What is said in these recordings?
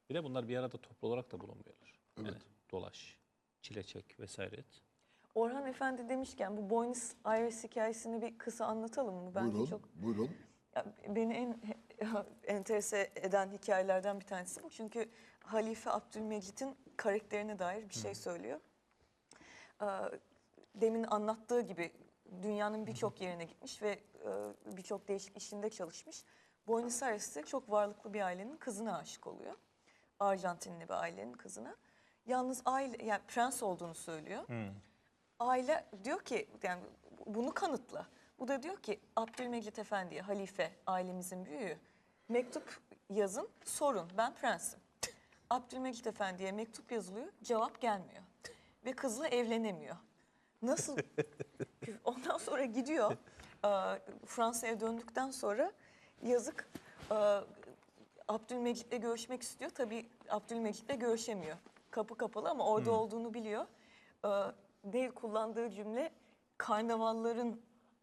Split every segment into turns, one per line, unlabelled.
Bir de bunlar bir arada toplu olarak da bulunmuyorlar.
Evet.
Yani dolaş, çile çek vesaire et.
Orhan Efendi demişken bu Buenos Aires hikayesini bir kısa anlatalım mı? Bence
Buyurun,
çok
buyurun.
ya, beni en enterese eden hikayelerden bir tanesi bu. Çünkü Halife Abdülmecit'in karakterine dair bir şey söylüyor. Demin anlattığı gibi dünyanın birçok yerine gitmiş ve birçok değişik işinde çalışmış. Buenos Aires'te çok varlıklı bir ailenin kızına aşık oluyor. Arjantinli bir ailenin kızına. Yalnız aile, yani prens olduğunu söylüyor. Aile diyor ki yani bunu kanıtla. Bu da diyor ki Abdülmecit Efendi'ye, halife, ailemizin büyüğü, mektup yazın, sorun, ben prensim. Abdülmecit Efendi'ye mektup yazılıyor, cevap gelmiyor. Ve kızla evlenemiyor. Nasıl? Ondan sonra gidiyor, Fransa'ya döndükten sonra yazık Abdülmecit'le görüşmek istiyor. Tabii Abdülmecit'le görüşemiyor. Kapı kapalı ama orada olduğunu biliyor. Değil kullandığı cümle karnavalların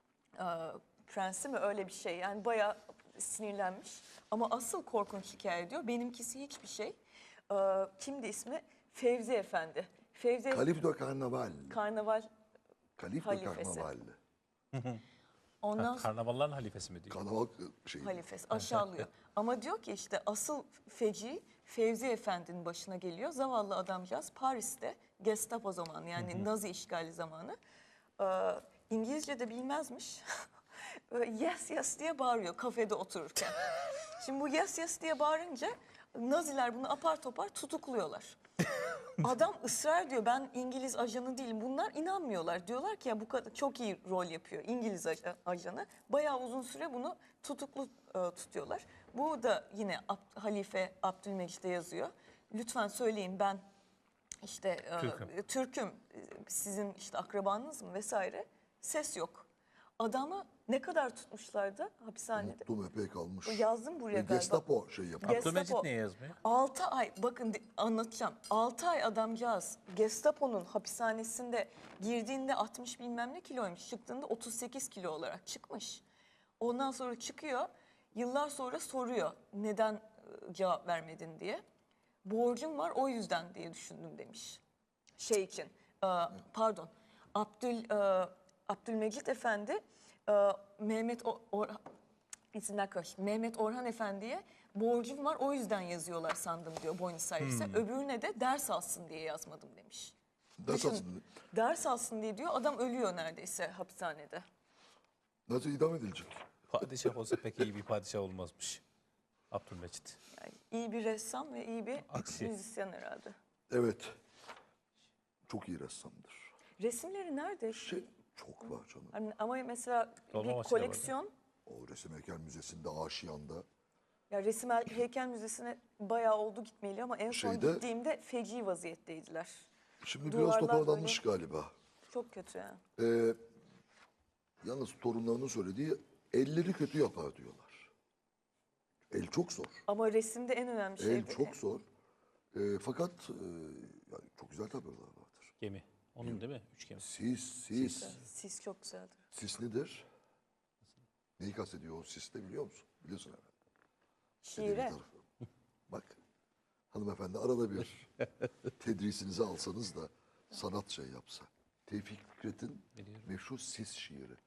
prensi mi öyle bir şey. Yani bayağı sinirlenmiş. Ama asıl korkunç hikaye diyor. Benimkisi hiçbir şey. Kimdi ismi? Fevzi Efendi. Fevzi
Kalif de Karnaval.
Karnaval
Kalif de
halifesi.
Karnaval.
ondan sonra
Karnavalların halifesi mi diyor?
Karnaval şey.
halifesi aşağılıyor. Ama diyor ki işte asıl feci Fevzi Efendi'nin başına geliyor. Zavallı adamcağız Paris'te Gestapo zamanı yani Nazi işgali zamanı. İngilizce de bilmezmiş. Böyle yes yes diye bağırıyor kafede otururken. Şimdi bu yes yes diye bağırınca Naziler bunu apar topar tutukluyorlar. Adam ısrar diyor ben İngiliz ajanı değilim. Bunlar inanmıyorlar. Diyorlar ki ya bu kadar çok iyi rol yapıyor İngiliz ajanı. Bayağı uzun süre bunu tutuklu tutuyorlar. Bu da yine Halife Abdülmecit'e yazıyor. Lütfen söyleyin ben işte Türk'üm. Sizin işte akrabanız mı vesaire. Ses yok. Adamı ne kadar tutmuşlardı hapishanede?
Unuttum epey kalmış.
Yazdım buraya galiba.
Gestapo şey yapıyor.
Abdülmecit niye yazmıyor?
6 ay bakın anlatacağım. 6 ay adamcağız Gestapo'nun hapishanesinde girdiğinde 60 bilmem ne kiloymuş. Çıktığında 38 kilo olarak çıkmış. Ondan sonra çıkıyor. Yıllar sonra soruyor neden cevap vermedin diye. Borcum var o yüzden diye düşündüm demiş. Şey için pardon Abdülmecit Efendi İsimler karışık. Mehmet Orhan Efendi'ye borcum var o yüzden yazıyorlar sandım diyor Buenos Aires'e. Öbürüne de ders alsın diye yazmadım demiş.
Ders
Düşün,
alsın.
ders alsın diye diyor adam ölüyor neredeyse hapishanede.
Nasıl idam edilecek?
Padişah olsa pek iyi bir padişah olmazmış. Abdülmecit.
Yani iyi bir ressam ve iyi bir
Aksi.
müzisyen herhalde.
Evet. Çok iyi ressamdır.
Resimleri nerede?
Çok var canım.
Hani, ama mesela
Dolmabahçe'de
bir koleksiyon.
O Resim Heykel Müzesi'nde, Aşiyan'da.
Ya Resim Heykel Müzesi'ne bayağı oldu gitmeyeli ama en son
Şeyde-
gittiğimde feci vaziyetteydiler.
Şimdi
Duvarlar
biraz toparlanmış galiba.
Çok kötü yani.
Yalnız torunlarının söylediği elleri kötü yapar diyorlar. El çok zor.
Ama resimde en önemli şey
El çok zor. Fakat yani çok güzel tablolar vardır.
Gemi. Onun değil mi? Üç gemi.
Sis çok güzeldir.
Sis nedir? Neyi kastediyor o sis de biliyor musun? Biliyorsun herhalde.
Şiire.
Edebi tarafı. Bak hanımefendi arada bir tedrisinizi alsanız da sanat şey yapsa. Tevfik Fikret'in meşhur Sis şiiri.